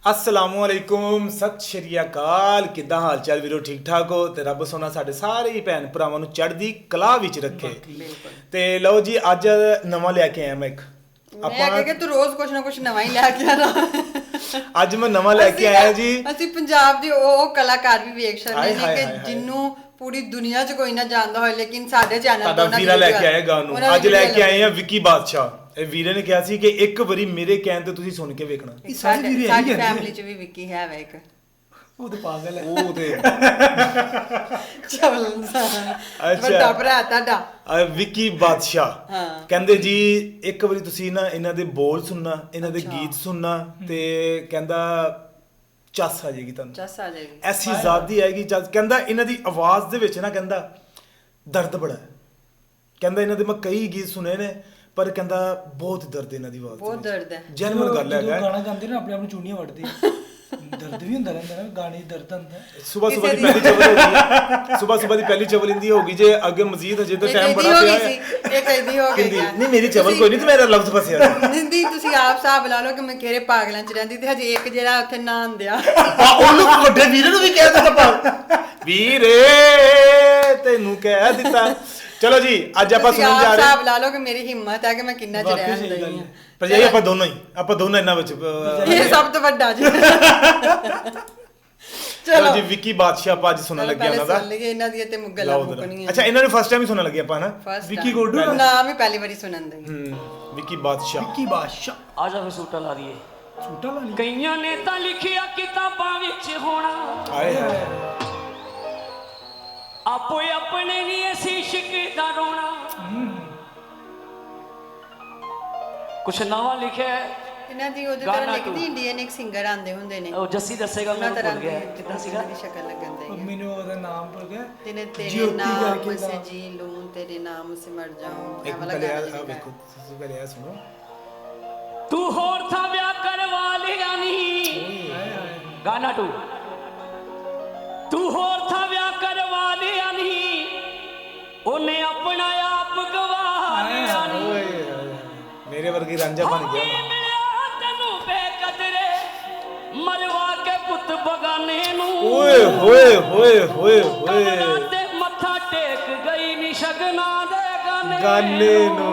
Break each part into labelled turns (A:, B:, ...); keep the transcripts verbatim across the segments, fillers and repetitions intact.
A: असलामुअलैकुम सत श्री अकाल किद्दां हाल चाल वीरो ठीक ठाक हो ते रब सोना साडे सारे ही भैन भरावां नूं चढ़दी कला विच रखे ते लो जी अज नवां लैके आया मैं एक
B: ਆਪਾਂ ਕਿ ਤੂੰ ਰੋਜ਼ ਕੁਛ ਨਾ ਕੁਛ ਨਵਾਂ ਹੀ ਲੈ ਕੇ ਆਣਾ
A: ਅੱਜ ਮੈਂ ਨਵਾਂ ਲੈ ਕੇ ਆਇਆ ਜੀ
B: ਅਸੀਂ ਪੰਜਾਬ ਦੇ ਉਹ ਕਲਾਕਾਰ ਵੀ ਵੇਖ ਸਕਦੇ ਨੇ ਕਿ ਜਿੰਨੂੰ ਪੂਰੀ ਦੁਨੀਆ 'ਚ ਕੋਈ ਨਾ ਜਾਣਦਾ ਹੋਵੇ ਲੇਕਿਨ ਸਾਡੇ ਚੈਨਲ ਤੋਂ
A: ਨਾ ਵੀਰਾ ਲੈ ਕੇ ਆਏ ਗਾ ਨੂੰ ਅੱਜ ਲੈ ਕੇ ਆਏ ਆ ਵਿੱਕੀ ਬਾਦਸ਼ਾਹ। ਇਹ ਵੀਰੇ ਨੇ ਕਿਹਾ ਸੀ ਕਿ ਇੱਕ ਵਾਰੀ ਮੇਰੇ ਕਹਿਣ ਤੇ ਤੁਸੀਂ ਸੁਣ ਕੇ ਵੇਖਣਾ।
B: ਸਾਡੀ ਸਾਡੀ ਫੈਮਿਲੀ 'ਚ ਵੀ ਵਿੱਕੀ ਹੈ ਵਾ ਇੱਕ
A: ਉਹ ਤੇ ਪਾਗਲ ਹੈ ਉਹ ਤੇ
B: ਚਵਲ ਵੱਡਾ ਭਰਾ ਤੁਹਾਡਾ
A: ਵਿੱਕੀ ਬਾਦਸ਼ਾਹ ਕਹਿੰਦੇ ਜੀ ਇੱਕ ਵਾਰੀ ਤੁਸੀਂ ਨਾ ਇਹਨਾਂ ਦੇ ਬੋਲ ਸੁਣਨਾ ਇਹਨਾਂ ਦੇ ਗੀਤ ਸੁਣਨਾ ਤੇ ਕਹਿੰਦਾ ਚੱਸ ਆ ਜਾਏਗੀ ਤੁਹਾਨੂੰ
B: ਚੱਸ ਆ ਜਾਏਗੀ
A: ਐਸੀ ਜ਼ਾਦੀ ਆਏਗੀ ਚੱਸ। ਕਹਿੰਦਾ ਇਹਨਾਂ ਦੀ ਆਵਾਜ਼ ਦੇ ਵਿੱਚ ਨਾ ਕਹਿੰਦਾ ਦਰਦ ਬੜਾ ਹੈ। ਕਹਿੰਦਾ ਇਹਨਾਂ ਦੇ ਮੈਂ ਕਈ ਗੀਤ ਸੁਣੇ ਨੇ ਪਰ ਕਹਿੰਦਾ ਬਹੁਤ ਦਰਦ ਇਹਨਾਂ ਦੀ ਆਵਾਜ਼
B: ਬਹੁਤ ਦਰਦ ਹੈ।
A: ਜੈਨੂਇਨ ਗੱਲ ਹੈ
C: ਗਾਣਾ ਗਾਉਂਦੇ ਨਾ ਆਪਣੇ ਆਪ ਨੂੰ ਚੂੜੀਆਂ ਵੱਢਦੇ ਦਰਦ ਵੀ ਹੁੰਦਾ ਰਹਿੰਦਾ ਨਾ ਗਾਣੇ ਦਰਦ ਹੁੰਦਾ।
A: ਸਵੇਰ ਸਵੇਰ ਦੀ ਪਹਿਲੀ ਚਵਲ ਹੋਗੀ ਸਵੇਰ ਸਵੇਰ ਦੀ ਪਹਿਲੀ ਚਵਲ ਇੰਦੀ ਹੋਗੀ ਜੇ ਅੱਗੇ ਮਜ਼ੀਦ ਹਜੇ ਤਾਂ ਟਾਈਮ ਬੜਾ ਪਿਆ ਹੈ।
B: ਇਹ ਕਹਿੰਦੀ ਹੋ ਗਈ
A: ਨਹੀਂ ਮੇਰੀ ਚਵਲ ਕੋਈ ਨਹੀਂ ਤੇ ਮੇਰਾ ਲਫ਼ਜ਼ ਫਸਿਆ
B: ਨਿੰਦੀ ਤੁਸੀਂ ਆਪ ਹਿਸਾਬ ਲਾ ਲਓ ਕਿ ਮੈਂ ਕਿਹੜੇ ਪਾਗਲਾਂ ਚ ਰਹਿੰਦੀ ਤੇ ਹਜੇ ਇੱਕ ਜਿਹੜਾ ਉੱਥੇ ਨਾਂ ਆਂਦਿਆ
A: ਉਹਨੂੰ ਵੱਡੇ ਵੀਰੇ ਨੂੰ ਵੀ ਕਹਿ ਦਿੱਤਾ ਪਾ ਵੀਰੇ ਤੈਨੂੰ ਕਹਿ ਦਿੱਤਾ। ਚਲੋ ਜੀ ਅੱਜ ਆਪਾਂ ਸੁਣਨ ਜਾ ਰਹੇ
B: ਹਿਸਾਬ ਲਾ ਲਓ ਕਿ ਮੇਰੀ ਹਿੰਮਤ ਹੈ ਕਿ ਮੈਂ ਕਿੰਨਾ ਚ ਰਹਿ ਹੁੰਦੀ ਹਾਂ
A: ਪਰ ਜੀ ਆਪਾਂ ਦੋਨੋਂ ਹੀ ਆਪਾਂ ਦੋਨੋਂ ਇਹਨਾਂ ਵਿੱਚ
B: ਇਹ ਸਭ ਤੋਂ ਵੱਡਾ ਜੀ।
A: ਚਲੋ ਜੀ ਵਿੱਕੀ ਬਾਦਸ਼ਾਹ ਆਪਾਂ ਅੱਜ ਸੁਣਨ ਲੱਗੇ ਉਹਨਾਂ ਦਾ
B: ਇਹਨਾਂ ਦੀ ਤੇ ਮੁਗਲਾਂ ਮੁਕਣੀਆਂ।
A: ਅੱਛਾ ਇਹਨਾਂ ਨੂੰ ਫਸਟ ਟਾਈਮ ਹੀ ਸੁਣਨ ਲੱਗੇ ਆਪਾਂ ਨਾ
B: ਵਿੱਕੀ ਗੋਡੂ ਦਾ ਨਾਮ ਹੀ ਪਹਿਲੀ ਵਾਰੀ ਸੁਣਨ ਦੇ
A: ਹੂੰ ਵਿੱਕੀ ਬਾਦਸ਼ਾਹ
C: ਵਿੱਕੀ ਬਾਦਸ਼ਾਹ
D: ਆ ਜਾ ਫੇ ਸੂਟਾ ਲਾ ਦਈਏ
C: ਸੂਟਾ ਲਾ ਲਈ
D: ਕਈਆਂ ਨੇ ਤਾਂ ਲਿਖਿਆ ਕਿਤਾਬਾਂ ਵਿੱਚ ਹੋਣਾ
A: ਆਏ ਹਾਏ
D: ਆਪੋ ਆਪਣੇ ਨਹੀਂ ਅਸੀਂ ਇਸ਼ਕ ਦਾ ਰੋਣਾ ਕੁਛ ਨਵਾਂ ਲਿਖਿਆ
B: ਇਹਨਾਂ ਦੀ ਉਹਦੇ ਤਰ੍ਹਾਂ ਲਿਖਦੀ ਇੰਡੀਅਨ ਇੱਕ ਸਿੰਗਰ ਆਂਦੇ ਹੁੰਦੇ ਨੇ
D: ਉਹ ਜੱਸੀ ਦੱਸੇਗਾ ਮੈਂ ਭੁੱਲ ਗਿਆ ਕਿੱਦਾਂ ਸੀਗਾ
B: ਦੀ ਸ਼ਕਲ ਲੱਗਣ ਦੇ
C: ਮੈਨੂੰ ਉਹਦਾ ਨਾਮ ਭੁੱਲ ਗਿਆ
B: ਤੇਨੇ ਤੇਰੇ ਨਾਮ ਸੇ ਜੀ ਲੂੰ ਤੇਰੇ ਨਾਮ ਸੇ ਮਰ ਜਾऊं
A: ਇੱਕ ਪਹਿਲੇ ਆ ਵੇਖੋ ਤੁਸੀਂ ਪਹਿਲੇ ਆ ਸੁਣੋ
D: ਤੂੰ ਹੋਰ ਥਾ ਵਿਆਹ ਕਰਵਾ ਲਿਆ ਨਹੀਂ ਗਾਣਾ ਟੂ ਤੂੰ ਹੋਰ ਥਾ ਵਿਆਹ ਕਰਵਾ ਲਿਆ ਨਹੀਂ ਉਹਨੇ ਆਪਣਾ ਆਪ ਗਵਾ ਲਿਆ ਨਹੀਂ
A: ਮੇਰੇ ਵਰਗੀ ਰਾਂਝਾ ਬਣ ਗਿਆ
D: ਤੈਨੂੰ ਬੇਕਦਰੇ ਮਰਵਾ ਕੇ ਪੁੱਤ ਬਗਾਨੇ ਨੂੰ
A: ਓਏ ਹੋਏ ਹੋਏ ਹੋਏ ਹੋਏ
D: ਤੇ ਮੱਥਾ ਟੇਕ ਗਈ ਨੀ ਸ਼ਗਨਾ ਦੇ ਗਾਨੇ
A: ਗਾਨੇ ਨੂੰ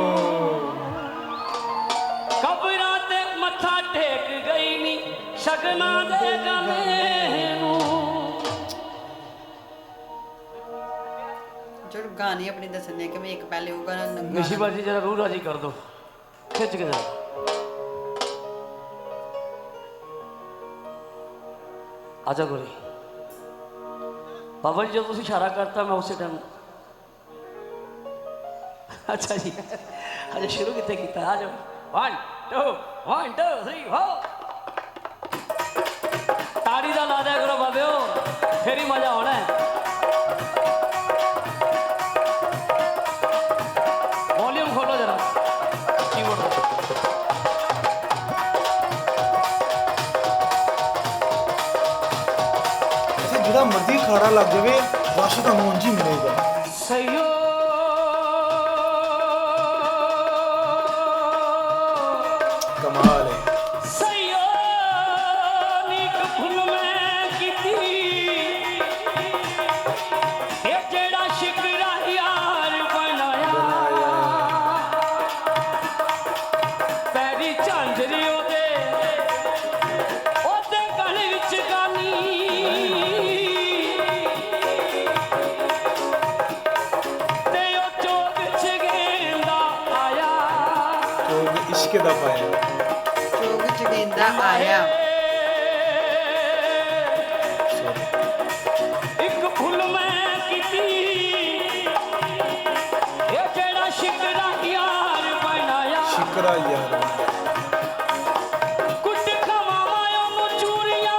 D: ਕਬਰਾਂ ਤੇ ਮੱਥਾ ਟੇਕ ਗਈ ਨੀ ਸ਼ਗਨਾ ਦੇ ਗਾਨੇ ਨੂੰ
B: ਜਦ ਗਾਣੇ ਆਪਣੇ ਦੱਸਣੇ ਕਿ ਮੈਂ ਇੱਕ ਪਹਿਲੇ ਉਹ ਗਾਣਾ
D: ਨਿਸ਼ੀ ਬਾਜੀ ਜਰਾ ਰੂਹ ਰਾਜੀ ਕਰ ਦੋ ਖਿੱਚ ਕੇ ਜਾ ਆਜਾ ਗੋਰੀ ਬਾਬਾ ਜੀ ਜਦੋਂ ਤੁਸੀਂ ਇਸ਼ਾਰਾ ਕਰਤਾ ਮੈਂ ਉਸੇ ਟਾਈਮ ਅੱਛਾ ਜੀ ਅਜੇ ਸ਼ੁਰੂ ਕਿੱਥੇ ਕੀਤਾ ਆ ਜਾਓ one two one two three four ਤਾੜੀ ਦਾ ਲਾ ਦਿਆ ਕਰੋ ਬਾਬਿਓ ਫੇਰ ਹੀ ਮਜ਼ਾ ਆਉਣਾ ਹੈ ਵੋਲਿਊਮ ਖੋਲੋ ਜਰਾ ਕੀਬੋਰਡ
A: ਜਿਹੜਾ ਮਰਜ਼ੀ ਖਾੜਾ ਲੱਗ ਜਾਵੇ ਰਸ਼ ਤੁਹਾਨੂੰ ਉਂਝ ਹੀ ਮਿਲੇਗਾ
D: ਸਈਓ
A: ਕਮਾਲ ਹੈ
D: ਸਈਓ ਨੀਕ ਫੁੱਲ ਮੈਂ ਕੀਤੀ ਇਹ ਜਿਹੜਾ ਸ਼ਿਕਰਾ ਯਾਰ ਬਣਾਇਆ ਪੈਰੀ ਝਾਂਜਰੀ ਉਹਦੇ ਉਹਦੇ ਗਲ ਵਿੱਚ ਗਾਨੀ
A: ਇਸ਼ਕ ਦਾ ਪਾਇਆ
B: ਚੋਗ ਚ ਗੇਂਦਾ ਆਇਆ
D: ਇੱਕ ਫੁੱਲ ਮੈਂ ਕੀਤੀ ਇਹ ਜਿਹੜਾ ਸ਼ਿਕਰਾ ਯਾਰ ਬਣਾਇਆ
A: ਸ਼ਿਕਰਾ ਯਾਰ
D: ਕੁੱਟ ਖਵਾਵਾਂ ਉਹਨੂੰ ਚੂਰੀਆਂ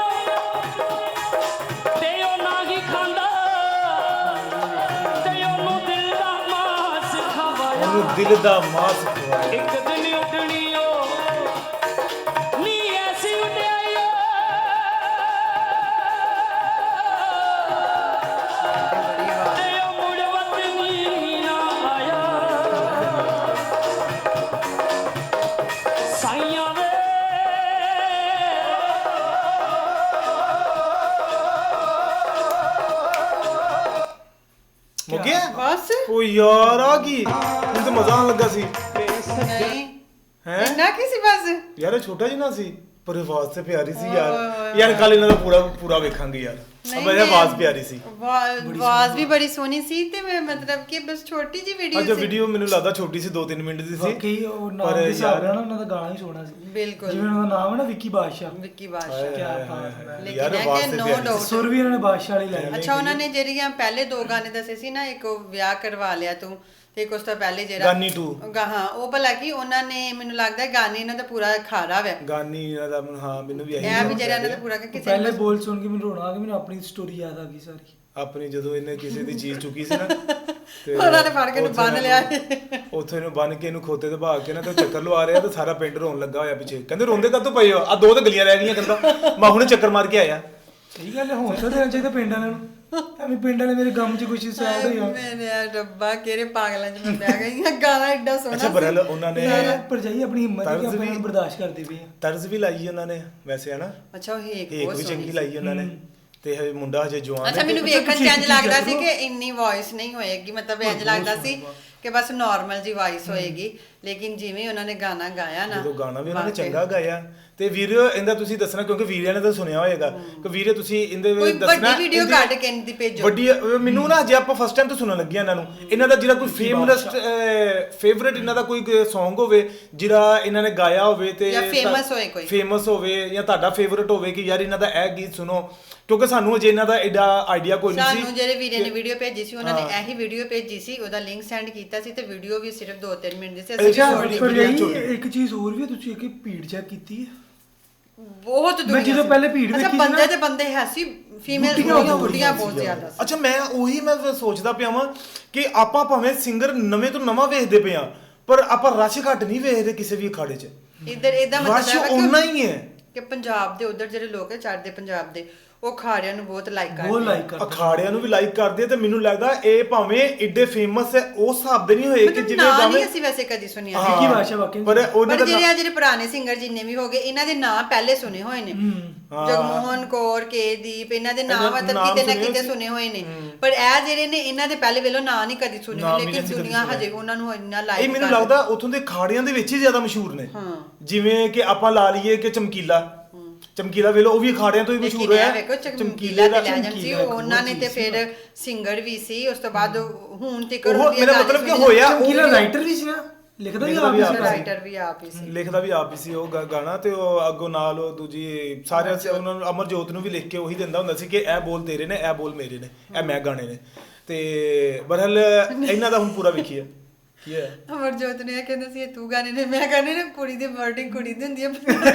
D: ਤੇ ਉਹ ਨਾ ਹੀ ਖਾਂਦਾ ਤੇ ਉਹਨੂੰ ਦਿਲ ਦਾ ਮਾਸ ਖਵਾਇਆ
A: ਉਹਨੂੰ ਦਿਲ ਦਾ ਮਾਸ ਖਵਾਇਆ
D: ਇੱਕ ਦਿਨ ਉੱਡਣੀ ਨੀ ਐਸੀ ਉਡਾਈ ਤੇ ਉਹ ਮੁੜ ਵਤਨੀ ਨਾ ਆਇਆ ਸਾਈਆਂ ਵੇ
A: ਮੁੱਕ ਗਿਆ
B: ਬਸ
A: ਓ ਯਾਰ ਆ ਕੀ ਹੁਣ ਤੇ ਮਜ਼ਾ ਆਉਣ ਲੱਗਾ ਸੀ
B: ਨਹੀਂ
A: ਹੈ
B: ਇੰਨਾ ਕੀ ਸੀ ਬਸ
A: ਯਾਰ ਇਹ ਛੋਟਾ ਜਿਹਾ ਸੀ ਪਰ ਆਵਾਜ਼ ਤੇ ਪਿਆਰੀ ਸੀ
B: ਓਏ
A: ਯਾਰ
B: ਹੋਏ
A: ਯਾਰ ਕੱਲ ਇਹਨਾਂ ਦਾ ਪੂਰਾ ਪੂਰਾ ਵੇਖਾਂਗੇ ਯਾਰ ਅਬ ਇਹ ਆਵਾਜ਼ ਪਿਆਰੀ ਸੀ
B: ਆਵਾਜ਼ ਵੀ ਬੜੀ ਸੋਹਣੀ ਸੀ ਤੇ ਮੈਂ ਮਤਲਬ ਕਿ ਬਸ ਛੋਟੀ ਜੀ ਵੀਡੀਓ
A: ਅੱਜ ਵੀਡੀਓ ਮੈਨੂੰ ਲੱਗਦਾ ਛੋਟੀ ਸੀ ਦੋ ਤਿੰਨ ਮਿੰਟ ਦੀ ਸੀ
C: ਬਾਕੀ ਉਹ ਨਾਮ ਦੇ ਹਿਸਾਬ ਨਾਲ ਨਾ ਉਹਨਾਂ ਦਾ ਗਾਣਾ ਹੀ ਸੋਹਣਾ ਸੀ
B: ਬਿਲਕੁਲ
C: ਜਿਵੇਂ ਉਹਨਾਂ ਦਾ ਨਾਮ ਹੈ ਨਾ ਵਿੱਕੀ ਬਾਦਸ਼ਾਹ
B: ਵਿੱਕੀ ਬਾਦਸ਼ਾਹ
C: ਕਿਆ ਬਾਤ ਹੈ
B: ਲੇਕਿਨ
A: ਯਾਰ
B: ਇਹ
A: ਆਵਾਜ਼
B: ਕਿ
A: ਤੇ
B: no
A: ਪਿਆਰੀ
B: doubt।
A: ਸੀ
C: ਸੁਰ ਵੀ ਉਹਨਾਂ ਨੇ ਬਾਦਸ਼ਾਹ ਵਾਲੀ ਲਾਈ
B: ਅੱਛਾ ਉਹਨਾਂ ਨੇ ਜਿਹੜੀਆਂ ਪਹਿਲੇ ਦੋ ਗਾਣੇ ਦੱਸੇ ਸੀ ਨਾ ਇੱਕ ਉਹ ਵਿਆਹ ਕਰਵਾ ਲਿਆ ਤੂੰ ਤੇ ਇੱਕ ਉਸ ਤੋਂ ਪਹਿਲੇ ਜਿਹੜਾ
A: ਗਾਨੀ two।
B: ਗਾ- ਹਾਂ ਉਹ ਭਲਾ ਕੀ ਉਹਨਾਂ ਨੇ ਮੈਨੂੰ ਲੱਗਦਾ ਹੈ ਗਾਣੇ ਇਹਨਾਂ ਦਾ ਪੂਰਾ ਖਾਰਾ ਵਾ
A: ਗਾਨੀ ਇਹਨਾਂ ਦਾ ਹਾਂ ਮੈਨੂੰ ਵੀ ਇਹੀ
B: ਇਹ ਵੀ ਜਿਹੜਾ ਇਹਨਾਂ ਦਾ ਪੂਰਾ ਕਿ ਕਿਸੇ
C: ਪਹਿਲੇ
B: ਨੇ
C: ਬੋਲ ਸੁਣ ਕੇ ਮੈਨੂੰ ਰੋਣਾ ਆ ਗਿਆ ਮੈਨੂੰ ਆਪਣੀ ਸਟੋਰੀ ਯਾਦ ਆ ਗਈ ਸਾਰੀ
A: ਆਪਣੀ ਜਦੋਂ ਇਹਨੇ ਕਿਸੇ ਦੀ ਚੀਜ਼ ਚੁੱਕੀ ਸੀ ਨਾ ਤੇ
B: ਉਹਨਾਂ ਨੇ ਫੜ ਕੇ ਇਹਨੂੰ
A: ਉੱਥੇ
B: ਬੰਨ੍ਹ ਲਿਆ।
A: ਉੱਥੇ ਇਹਨੂੰ ਬੰਨ ਕੇ ਇਹਨੂੰ ਖੋਤੇ ਤੇ ਭਾਗ ਕੇ ਨਾ ਤੇ ਉਹ ਚੱਕਰ ਲਵਾ ਰਿਹਾ ਤੇ ਸਾਰਾ ਪਿੰਡ ਰੋਣ ਲੱਗਾ ਹੋਇਆ ਪਿੱਛੇ ਕਹਿੰਦੇ ਰੋਂਦੇ ਕਦੋਂ ਪਏ ਹੋ ਆ ਦੋ ਤੇ ਗਲੀਆਂ ਰਹਿ ਗਈਆਂ ਕਹਿੰਦਾ ਮੈਂ ਹੁਣੇ ਚੱਕਰ ਮਾਰ ਕੇ ਆਇਆ
C: ਸਹੀ ਗੱਲ ਹੈ ਹੌਸਲਾ ਦੇਣਾ ਚਾਹੀਦਾ ਪਿੰਡ ਵਾਲਿਆਂ ਨੂੰ ਐਵੇਂ ਪਿੰਡ ਵਾਲੇ ਮੇਰੇ ਗਮ 'ਚ ਕੁਛ ਸਾਈਡ ਹੋਇਆ
B: ਮੇਰੇ ਰੱਬਾ ਕਿਹੜੇ ਪਾਗਲਾਂ ਚ ਮੈਂ ਬਹਿ ਗਈ ਹਾਂ ਗਾਣਾ ਐਡਾ ਸੋਹਣਾ
A: ਅੱਛਾ ਬਰਲ ਉਹਨਾਂ ਨੇ
C: ਪਰ ਜਾਈ ਆਪਣੀ ਹਿੰਮਤ ਹੈ ਕਿ
A: ਤਰਜ਼
C: ਆਪਾਂ
A: ਵੀ-
C: ਨੂੰ ਬਰਦਾਸ਼ਤ ਕਰਦੇ ਪਏ ਆ
A: ਤਰਜ਼ ਵੀ ਲਾਈ ਉਹਨਾਂ ਨੇ ਵੈਸੇ ਹਨਾ
B: ਅੱਛਾ ਉਹ ਹੇਕ
A: ਇੱਕ
B: ਬਹੁਤ
A: ਵੀ
B: ਸੋਹਣੀ
A: ਚੰਗੀ
B: ਸੀ।
A: ਲਾਈ ਉਹਨਾਂ ਨੇ ਤੇ ਹਜੇ ਮੁੰਡਾ ਹਜੇ ਜਵਾਨ
B: ਅੱਛਾ
A: ਹੈ
B: ਮੈਨੂੰ
C: ਤੇ
B: ਵੇਖਣ ਚ
C: ਤੁਸੀਂ
B: ਇੰਜ ਲੱਗਦਾ
C: ਚੀਜ਼ਾਂ
B: ਸੀ ਕਿ ਇੰਨੀ ਵੌਇਸ ਨਹੀਂ ਹੋਏਗੀ ਮਤਲਬ ਇੰਜ ਲੱਗਦਾ ਸੀ ਕਿ ਬਸ ਨਾਰਮਲ ਜੀ ਵੌਇਸ ਹੋਏਗੀ ਲੇਕਿਨ ਜਿਵੇਂ ਉਹਨਾਂ ਨੇ ਗਾਣਾ ਗਾਇਆ ਨਾ
A: ਜਦੋਂ ਗਾਣਾ ਵੀ ਉਹਨਾਂ ਨੇ
B: ਵਾਕਈ।
A: ਚੰਗਾ ਗਾਇਆ ਤੇ ਵੀਰ ਇਹਦਾ ਤੁਸੀਂ ਦੱਸਣਾ ਕਿਉਂਕਿ ਵੀਰਿਆਂ ਨੇ ਤਾਂ ਸੁਣਿਆ ਹੋਏਗਾ ਕਿ ਵੀਰੇ ਤੁਸੀਂ ਇਹਦੇ
B: ਕੋਈ
A: ਵਿੱਚ ਦੱਸਣਾ
B: ਵੱਡੀ ਵੀਡੀਓ
A: ਇਹਦੀ-
B: ਕੱਢ ਕੇ ਇਹਦੀ ਭੇਜੋ
A: ਵੱਡੀ ਅਹ ਮੈਨੂੰ ਨਾ ਜੇ ਆਪਾਂ ਫਸਟ ਟਾਈਮ ਤੋਂ ਸੁਣਨ ਲੱਗੇ ਆ ਇਹਨਾਂ ਨੂੰ ਇਹਨਾਂ ਦਾ ਜਿਹੜਾ ਕੋਈ ਫੇਮਸ ਫੇਵਰਿਟ ਇਹਨਾਂ ਦਾ ਕੋਈ Song ਹੋਵੇ ਜਿਹੜਾ ਇਹਨਾਂ ਨੇ ਗਾਇਆ ਹੋਵੇ ਤੇ
B: ਜਾਂ famous ਹੋਏ ਕੋਈ।
A: ਫੇਮਸ ਹੋਵੇ ਜਾਂ ਤੁਹਾਡਾ ਫੇਵਰਿਟ ਹੋਵੇ ਕਿ ਯਾਰ ਇਹਨਾਂ ਦਾ ਇਹ ਗੀਤ ਸੁਣੋ ਕਿਉਂਕਿ ਸਾਨੂੰ ਅਜੇ ਇਹਨਾਂ ਦਾ ਐਡਾ ਆਈਡੀਆ ਕੋਈ ਨਹੀਂ ਸੀ
B: ਸਾਨੂੰ ਜਿਹੜੇ ਵੀਰੇ ਨੇ ਵੀਡੀਓ ਭੇਜੀ ਸੀ ਉਹਨਾਂ ਨੇ ਇਹੀ ਵੀਡੀਓ ਭੇਜੀ ਸੀ ਉਹਦਾ ਲਿੰਕ ਸੈਂਡ ਕੀਤਾ ਸੀ ਤੇ ਵੀਡੀਓ ਵੀ ਸਿਰਫ ਦੋ ਤਿੰਨ ਮਿੰਟ ਦੀ ਸੀ ਅਸੀਂ
A: ਅੱਛਾ,
B: ਛੋਟੀ
C: ਪਰ
A: video
C: ਜਾਈ
A: ਛੋਟੀ।
C: ਇੱਕ ਚੀਜ਼ ਹੋਰ ਵੀ ਹੈ, ਤੁਸੀਂ ਇੱਕ ਭੀੜ ਚੈੱਕ ਕੀਤੀ ਹੈ
B: ਬਹੁਤ ਦੁਨੀਆ
C: ਮੈਂ ਜਦੋਂ
B: ਸੀ।
C: ਪਹਿਲੇ ਭੀੜ
B: ਅੱਛਾ
C: ਵੇਖੀ ਸੀ
B: ਬੰਦੇ
C: ਨਾ-
B: ਤੇ ਬੰਦੇ ਹੈ ਸੀ ਫੀਮੇਲ
C: ਬੁੱਢੀਆਂ
B: ਬੁੱਢੀਆਂ
C: ਬਹੁਤ
B: ਬੁੱਢੀਆਂ
C: ਸੀ
B: ਬਹੁਤ ਜ਼ਿਆਦਾ ਸੀ
A: ਅੱਛਾ ਮੈਂ ਉਹੀ ਮੈਂ ਸੋਚਦਾ ਪਿਆ ਵਾਂ ਕਿ ਆਪਾਂ ਭਾਵੇਂ ਸਿੰਗਰ ਨਵੇਂ ਤੋਂ ਨਵਾਂ ਵੇਖਦੇ ਪਏ ਆ ਪਰ ਆਪਾਂ ਰਸ਼ ਘੱਟ ਨਹੀਂ ਵੇਖਦੇ ਕਿਸੇ ਵੀ ਅਖਾੜੇ 'ਚ
B: ਇਧਰ ਇਹਦਾ
A: ਰਸ਼
B: ਮਤਲਬ
A: ਉਨਾ
B: ਹੈ
A: ਹੀ ਹੈ
B: ਕਿ ਪੰਜਾਬ ਦੇ ਉਧਰ ਜਿਹੜੇ ਲੋਕ ਹੈ ਚੜ੍ਹਦੇ ਪੰਜਾਬ ਦੇ ਉਹ ਖਾੜਿਆਂ ਨੂੰ ਬਹੁਤ ਲਾਈਕ ਕਰਦੇ
C: ਬਹੁਤ
B: ਆ।
C: ਲਾਈਕ ਕਰਦੇ
A: ਅਖਾੜਿਆਂ ਨੂੰ ਵੀ ਲਾਈਕ ਕਰਦੇ ਆ ਤੇ ਮੈਨੂੰ ਲੱਗਦਾ ਇਹ ਭਾਵੇਂ ਏਡੇ ਫੇਮਸ ਹੈ ਉਸ ਹਿਸਾਬ ਦੇ ਨਹੀਂ ਹੋਏ ਕਿ
B: ਮਤਲਬ
A: ਜਿਵੇਂ
B: ਨਾਂ
A: ਗਾਣੇ
B: ਨਹੀਂ ਅਸੀਂ ਵੈਸੇ ਕਦੀ ਸੁਣਿਆ
A: ਹਾਂ,
C: ਵਿੱਕੀ ਬਾਦਸ਼ਾਹ ਵਾਕਈ
A: ਪਰ ਉਹਨਾਂ
B: ਪਰ
A: ਦਾ
B: ਜਿਹੜੇ ਆ ਜਿਹੜੇ ਪੁਰਾਣੇ ਸਿੰਗਰ ਜਿੰਨੇ ਵੀ ਹੋ ਗਏ ਇਹਨਾਂ ਦੇ ਨਾਂ ਪਹਿਲੇ ਸੁਣੇ ਹੋਏ ਨੇ
A: ਹਾਂ।
B: ਜਗਮੋਹਨ ਕੌਰ ਕੇ ਦੀਪ ਇਹਨਾਂ ਦੇ ਨਾਂ
A: ਇਹਨਾਂ
B: ਮਤਲਬ
A: ਨਾਮ
B: ਕਿਤੇ ਨਾ
A: ਸੁਣੇ
B: ਕਿਤੇ
A: ਸੀ।
B: ਸੁਣੇ ਹੋਏ ਨੇ ਪਰ ਇਹ ਜਿਹੜੇ ਨੇ ਇਹਨਾਂ ਦੇ ਪਹਿਲੇ ਵੇਲੋਂ ਨਾਂ ਨਹੀਂ ਕਦੀ ਸੁਣੇ
A: ਨਾਮ
B: ਹੋਏ
A: ਵੀ
B: ਲੇਕਿਨ
A: ਨਹੀਂ ਕਦੀ
B: ਦੁਨੀਆ
A: ਸੁਣਿਆ।
B: ਹਜੇ ਉਹਨਾਂ ਨੂੰ ਇੰਨਾ
A: ਇਹ
B: ਲਾਈਕ
A: ਮੈਨੂੰ ਲੱਗਦਾ ਉਥੋਂ ਦੇ ਖਾੜਿਆਂ ਦੇ ਵਿੱਚ ਹੀ ਜ਼ਿਆਦਾ ਮਸ਼ਹੂਰ ਨੇ
B: ਹਾਂ।
A: ਜਿਵੇਂ ਕਿ ਆਪਾਂ ਲਾ ਲਈਏ ਕਿ ਚਮਕੀਲਾ ਚਮਕੀਲਾ ਵੇਲੋ ਉਹ ਵੀ ਅਖਾੜਿਆਂ ਤੋਂ ਹੀ ਮਸ਼ਹੂਰ
B: ਲੇਕਿਨ
A: ਹੋਇਆ
B: ਇਹ ਵੇਖੋ ਚਮਕੀਲਾ ਤੇ ਲੈਜੈਂਡ ਸੀ
C: ਚਮਕੀਲਾ ਇੱਕ
B: ਉਹਨਾਂ ਨੇ
C: ਹੋਰ
B: ਤੇ
C: ਚੀਜ਼ ਸੀ
B: ਫਿਰ ਸਿੰਗਰ ਵੀ ਸੀ ਉਸ ਤੋਂ ਬਾਅਦ ਹੁਣ ਤੱਕ
A: ਉਹ ਮੇਰਾ ਮਤਲਬ ਕਿ ਹੋਇਆ ਉਹ
C: ਚਮਕੀਲਾ ਰਾਈਟਰ ਵੀ ਸੀ ਨਾ ਲਿਖਦਾ ਵੀ
A: ਲਿਖਦਾ
C: ਆਪ
A: ਵੀ
C: ਹੀ
A: ਆਪ
C: ਸੀ।
A: ਹੀ।
B: ਰਾਈਟਰ ਵੀ ਆਪ ਹੀ ਸੀ
A: ਲਿਖਦਾ ਵੀ ਆਪ ਹੀ ਸੀ ਉਹ ਗਾ- ਗਾਣਾ ਤੇ ਉਹ ਅੱਗੋਂ ਨਾਲ ਉਹ ਦੂਜੀ ਸਾਰੇ ਉਹਨਾਂ ਨੂੰ ਅਮਰਜੋਤ ਨੂੰ ਵੀ ਲਿਖ ਕੇ ਉਹੀ ਦਿੰਦਾ ਹੁੰਦਾ ਸੀ ਕਿ ਇਹ ਬੋਲ ਤੇਰੇ ਨੇ ਇਹ ਬੋਲ ਮੇਰੇ ਨੇ ਇਹ ਮੈਂ ਗਾਣੇ ਨੇ ਤੇ ਬਰਹਲ ਇਹਨਾਂ ਦਾ ਹੁਣ ਪੂਰਾ ਵੇਖੀਏ ਕੀ ਹੈ
B: ਅਮਰਜੋਤ ਨੇ ਇਹ ਕਹਿੰਦਾ ਸੀ ਇਹ ਤੂੰ ਗਾਣੇ ਨੇ ਮੈਂ ਗਾਣੇ ਨੇ ਕੁੜੀ ਦੀ ਵਰਡਿੰਗ ਕੁੜੀ ਦੀ ਹੁੰਦੀ ਹੈ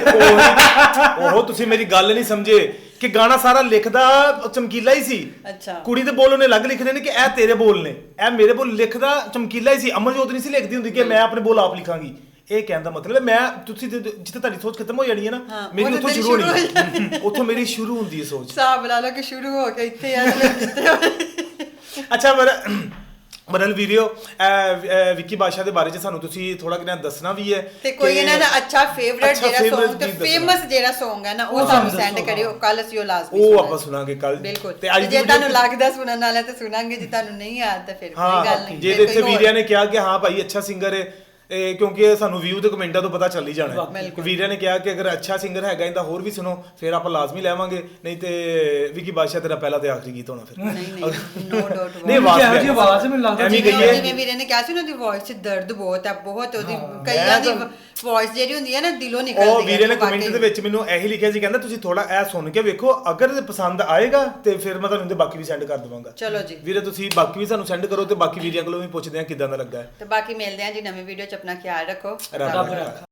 A: ਉਹ ਉਹ ਤੁਸੀਂ ਮੇਰੀ ਗੱਲ ਨਹੀਂ ਸਮਝੇ ਕਿ ਗਾਣਾ ਸਾਰਾ ਲਿਖਦਾ ਚਮਕੀਲਾ ਹੀ ਸੀ
B: ਅੱਛਾ
A: ਕੁੜੀ ਦੇ ਬੋਲ ਉਹਨੇ ਅਲੱਗ ਲਿਖਣੇ ਨੇ ਕਿ ਇਹ ਤੇਰੇ ਬੋਲ ਨੇ ਇਹ ਮੇਰੇ ਬੋਲ ਲਿਖਦਾ ਚਮਕੀਲਾ ਹੀ ਸੀ ਅਮਰਜੋਤ ਨਹੀਂ ਸੀ ਲਿਖਦੀ ਹੁੰਦੀ ਕਿ ਮੈਂ ਆਪਣੇ ਬੋਲ ਆਪ ਲਿਖਾਂਗੀ ਇਹ ਕਹਿਣ ਦਾ ਮਤਲਬ ਹੈ ਮੈਂ ਤੁਸੀਂ ਜਿੱਥੇ ਜਿੱਥੇ ਤੁਹਾਡੀ ਸੋਚ ਖਤਮ ਹੋ ਜਾਣੀ ਹੈ
B: ਹਾਂ,
A: ਨਾ ਮੇਰੀ
B: ਉੱਥੇ
A: ਉੱਥੋਂ
B: ਤੇਰੀ
A: ਸ਼ੁਰੂ
B: ਸ਼ੁਰੂ
A: ਹੋਣੀ ਉੱਥੋਂ ਮੇਰੀ ਸ਼ੁਰੂ ਹੁੰਦੀ ਹੈ ਸੋਚ
B: ਹਿਸਾਬ ਲਾ ਲਓ ਕਿ ਸ਼ੁਰੂ ਹੋ ਕੇ ਇੱਥੇ ਆ ਜਿੱਥੇ
A: ਅੱਛਾ ਪਰ ਮਨਲ ਵੀਡੀਓ ਵਿੱਕੀ ਬਾਦਸ਼ਾਹ ਦੇ ਬਾਰੇ ਚ ਸਾਨੂੰ ਤੁਸੀਂ ਥੋੜਾ ਕਿਨਾਂ ਦੱਸਣਾ ਵੀ ਹੈ
B: ਤੇ ਕੋਈ
A: ਕਿ-
B: ਇਹਨਾਂ ਦਾ ਅੱਛਾ ਫੇਵਰਿਟ
A: ਅੱਛਾ
B: ਜਿਹੜਾ
A: favourite
B: Song ਤੇ
A: ਗੀਤ ਦੱਸਣਾ।
B: ਫੇਮਸ ਜਿਹੜਾ Song ਹੈ ਨਾ ਉਹ
C: ਉਹ
B: ਸਾਨੂੰ
C: ਸਾਨੂੰ
B: ਸੈਂਡ
C: ਦੱਸੋ,
B: ਕਰਿਓ ਕੱਲ ਅਸੀਂ ਉਹ ਲਾਜ਼ਮੀ
A: ਉਹ
B: ਸੁਣਾਂਗੇ।
A: ਆਪਾਂ ਸੁਣਾਂਗੇ ਕੱਲ
B: ਬਿਲਕੁਲ
A: ਤੇ ਅੱਜ
B: ਤੇ
A: ਦੀ
B: ਜੇ ਤੁਹਾਨੂੰ
A: video-
B: ਲੱਗਦਾ ਸੁਣਨ ਵਾਲਾ ਤੇ ਸੁਣਾਂਗੇ ਜੇ ਤੁਹਾਨੂੰ ਨਹੀਂ ਆਇਆ ਤਾਂ ਫਿਰ
A: ਹਾਂ
B: ਕੋਈ ਗੱਲ ਨਹੀਂ
A: ਜੇ
B: ਫਿਰ
A: ਇੱਥੇ
B: ਕੋਈ ਹੋਰ-
A: ਵੀਰਿਆ ਨੇ ਕਿਹਾ ਕਿ ਹਾਂ ਭਾਈ ਅੱਛਾ ਸਿੰਗਰ ਹੈ ਇਹ ਕਿਉਂਕਿ ਸਾਨੂੰ ਵਿਊ ਤੇ ਕਮੈਂਟਾਂ ਤੋਂ ਪਤਾ ਚੱਲ ਹੀ ਜਾਣਾ ਹੈ
B: ਬਿਲਕੁਲ।
A: ਵੀਰਿਆ ਨੇ ਕਿਹਾ ਕਿ ਅਗਰ ਅੱਛਾ ਸਿੰਗਰ ਹੈਗਾ ਇਹਦਾ ਹੋਰ ਵੀ ਸੁਣੋ ਫਿਰ ਆਪਾਂ ਲਾਜ਼ਮੀ ਲੈਵਾਂਗੇ ਨਹੀਂ ਤੇ ਵਿੱਕੀ ਬਾਦਸ਼ਾਹ ਤੇਰਾ ਪਹਿਲਾ ਤੇ ਆਖਰੀ ਗੀਤ ਹੋਣਾ ਫਿਰ
B: ਨਹੀਂ ਨਹੀਂ ਨੋ ਡਾਊਟ
A: ਨਹੀਂ ਆਵਾਜ਼
C: ਜਿਹੋ ਜਿਹੀ
A: ਪਿਆਰੀ।
C: ਆਵਾਜ਼ ਹੈ, ਮੈਨੂੰ ਲੱਗਦਾ
A: ਐਵੇਂ
B: ਜਿਵੇਂ
A: ਕਹੀਏ
B: ਜਿਵੇਂ ਵੀਰੇ ਨੇ ਕਿਹਾ ਸੀ ਨਾ ਉਹਦੀ ਵੌਇਸ 'ਚ ਦਰਦ ਬਹੁਤ ਹੈ ਬਹੁਤ ਉਹਦੀ ਕਈਆਂ ਦੀ ਵੌਇਸ ਜਿਹੜੀ ਹੁੰਦੀ ਹੈ ਨਾ ਦਿਲੋਂ ਨਿਕਲਦੀ ਹੈ
A: ਉਹ ਵੀਰੇ ਨੇ
B: ਵਾਕਈ।
A: ਕਮੈਂਟ ਦੇ ਵਿੱਚ ਮੈਨੂੰ ਇਹੀ ਲਿਖਿਆ ਸੀ ਕਹਿੰਦਾ ਤੁਸੀਂ ਥੋੜਾ ਇਹ ਸੁਣ ਕੇ ਵੇਖੋ ਅਗਰ ਇਹ ਪਸੰਦ ਆਏਗਾ ਤੇ ਫਿਰ ਮੈਂ ਤੁਹਾਨੂੰ ਇਹਦੇ ਬਾਕੀ ਵੀ ਸੈਂਡ ਕਰ ਦਵਾਂਗਾ
B: ਚਲੋ ਜੀ
A: ਵੀਰੇ ਤੁਸੀਂ ਬਾਕੀ ਵੀ ਸਾਨੂੰ ਸੈਂਡ ਕਰੋ ਤੇ ਬਾਕੀ ਵੀਰਿਆਂ ਕੋਲੋਂ ਵੀ ਪੁੱਛਦੇ ਆ ਕਿਦਾਂ ਦਾ ਲੱਗਾ ਹੈ
B: ਤੇ ਬਾਕੀ ਮਿਲਦੇ ਹਾਂ ਜੀ ਨਵੀਂ ਵੀਡੀਓ 'ਚ ਆਪਣਾ ਖਿਆਲ ਰੱਖੋ
A: ਰੱਬ ਰੱਖਾ।